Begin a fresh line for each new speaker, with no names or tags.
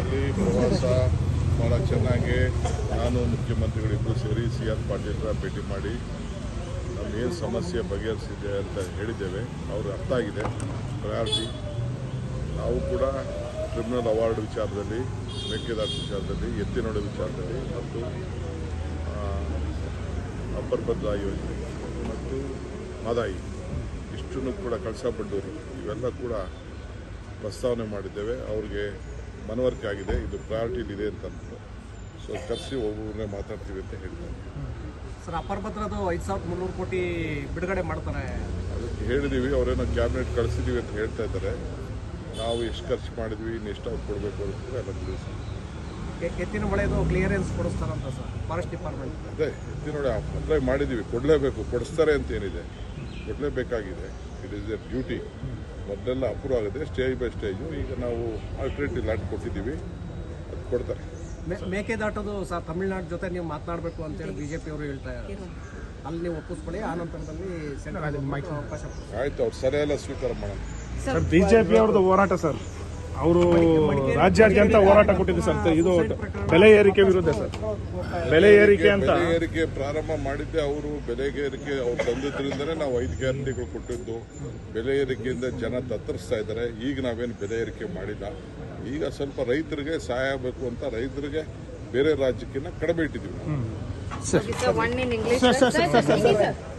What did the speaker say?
ರಾಜ್ಯದಲ್ಲಿ ಪ್ರವಾಸ ಭಾಳ ಚೆನ್ನಾಗಿ ನಾನು ಮುಖ್ಯಮಂತ್ರಿಗಳಿಬ್ಬರು ಸೇರಿ CR ಪಾಟೀಲ್ರ ಭೇಟಿ ಮಾಡಿ ನಮಗೇನು ಸಮಸ್ಯೆ ಬಗೆಹರಿಸಿದೆ ಅಂತ ಹೇಳಿದ್ದೇವೆ. ಅವ್ರಿಗೆ ಅರ್ಥ ಆಗಿದೆ ಪ್ರಯಾರಿಟಿ. ನಾವು ಕೂಡ ಟ್ರಿಬ್ಯುನಲ್ ಅವಾರ್ಡ್ ವಿಚಾರದಲ್ಲಿ, ಮೇಕೆದಾಟು ವಿಚಾರದಲ್ಲಿ, ಎತ್ತಿನೋಡು ವಿಚಾರದಲ್ಲಿ ಮತ್ತು ಅಪ್ಪರ್ ಭದ್ರಾ ಯೋಜನೆ ಮತ್ತು ಮದಾಯಿ ಇಷ್ಟನ್ನು ಕೂಡ ಕಳಸಾ-ಬಂಡೂರಿ ಇವೆಲ್ಲ ಕೂಡ ಪ್ರಸ್ತಾವನೆ ಮಾಡಿದ್ದೇವೆ. ಅವ್ರಿಗೆ ಮನವರಿಕೆ ಆಗಿದೆ, ಇದು ಪ್ರಯಾರಿಟಿಲಿದೆ ಅಂತ ಅಂದ್ಬಿಟ್ಟು. ಸೊ ಕರೆಸಿ ಒಬ್ಬೊಬ್ಬರನ್ನೇ ಮಾತಾಡ್ತೀವಿ ಅಂತ ಹೇಳಿದ್ದಾರೆ.
ಸರ್, ಅಪ್ಪರ್ ಭದ್ರದ್ದು 5,300 ಕೋಟಿ ಬಿಡುಗಡೆ ಮಾಡ್ತಾರೆ.
ಅದಕ್ಕೆ ಹೇಳಿದ್ದೀವಿ, ಅವರೇನೋ ಕ್ಯಾಬಿನೆಟ್ ಕಳಿಸಿದ್ದೀವಿ ಅಂತ ಹೇಳ್ತಾ ಇದ್ದಾರೆ. ನಾವು ಎಷ್ಟು ಖರ್ಚು ಮಾಡಿದ್ವಿ, ಇನ್ನು ಎಷ್ಟು ಅವ್ರು ಕೊಡಬೇಕು ಅಂತ ಎಲ್ಲ ತಿಳಿಸಿ.
ಎತ್ತಿನ ಮಳೆದು ಕ್ಲಿಯರೆನ್ಸ್ ಕೊಡಿಸ್ತಾರಂತ ಸರ್ ಫಾರೆಸ್ಟ್ ಡಿಪಾರ್ಟ್ಮೆಂಟ್.
ಅದೇ ಎತ್ತಿನೋಡಿ ಅಪ್ಲೈ ಮಾಡಿದ್ದೀವಿ, ಕೊಡಲೇಬೇಕು, ಕೊಡಿಸ್ತಾರೆ ಅಂತ ಏನಿದೆ, ಕೊಡಲೇಬೇಕಾಗಿದೆ. It is a duty. ಮೊದಲೆಲ್ಲ ಅಪ್ರೂವ್ ಆಗಿದೆ ಸ್ಟೇಜ್ ಬೈ ಸ್ಟೇಜು. ಈಗ ನಾವು ಆಲ್ಟರ್ನೇಟಿವ್ ಲ್ಯಾಂಡ್ ಕೊಟ್ಟಿದ್ದೀವಿ, ಅದು ಕೊಡ್ತಾರೆ.
ಮೇಕೆದಾಟೋದು ಸರ್ ತಮಿಳ್ನಾಡು ಜೊತೆ ನೀವು ಮಾತನಾಡಬೇಕು ಅಂತೇಳಿ BJP ಅವರು ಹೇಳ್ತಾ ಇದ್ದಾರೆ. ಅಲ್ಲಿ ನೀವು ಒಪ್ಪಿಸ್ಕೊಳ್ಳಿ, ಆ ನಂತರದಲ್ಲಿ ಅವಕಾಶ.
ಆಯ್ತು, ಅವ್ರು ಸರಿಯೆಲ್ಲ ಸ್ವೀಕಾರ ಮಾಡೋಣ.
ಸರ್, BJP ಅವ್ರದ್ದು ಹೋರಾಟ ಸರ್, ಅವರು ರಾಜ್ಯಾದ್ಯಂತ ಹೋರಾಟ ಕೊಟ್ಟಿದೆ ಸರ್. ಇದು ಬೆಲೆ ಏರಿಕೆ ವಿರುದ್ಧ ಸರ್. ಬೆಲೆ ಏರಿಕೆ ಅಂತ
ಬೆಲೆ ಏರಿಕೆ ಪ್ರಾರಂಭ ಮಾಡಿದ್ದೆ ಅವರು. ಬೆಲೆ ಏರಿಕೆ ಅವ್ರು ತಂದಿದ್ರಿಂದನೇ ನಾವು 5 ಗ್ಯಾರಂಟಿಗಳು ಕೊಟ್ಟಿದ್ದು. ಬೆಲೆ ಏರಿಕೆಯಿಂದ ಜನ ತತ್ತರಿಸ್ತಾ ಇದ್ದಾರೆ. ಈಗ ನಾವೇನು ಬೆಲೆ ಏರಿಕೆ ಮಾಡಿಲ್ಲ. ಈಗ ಸ್ವಲ್ಪ ರೈತರಿಗೆ ಸಹಾಯ ಆಗಬೇಕು ಅಂತ ರೈತರಿಗೆ ಬೇರೆ ರಾಜ್ಯಕ್ಕಿಂತ ಕಡಿಮೆ ಇಟ್ಟಿದ್ದೀವಿ.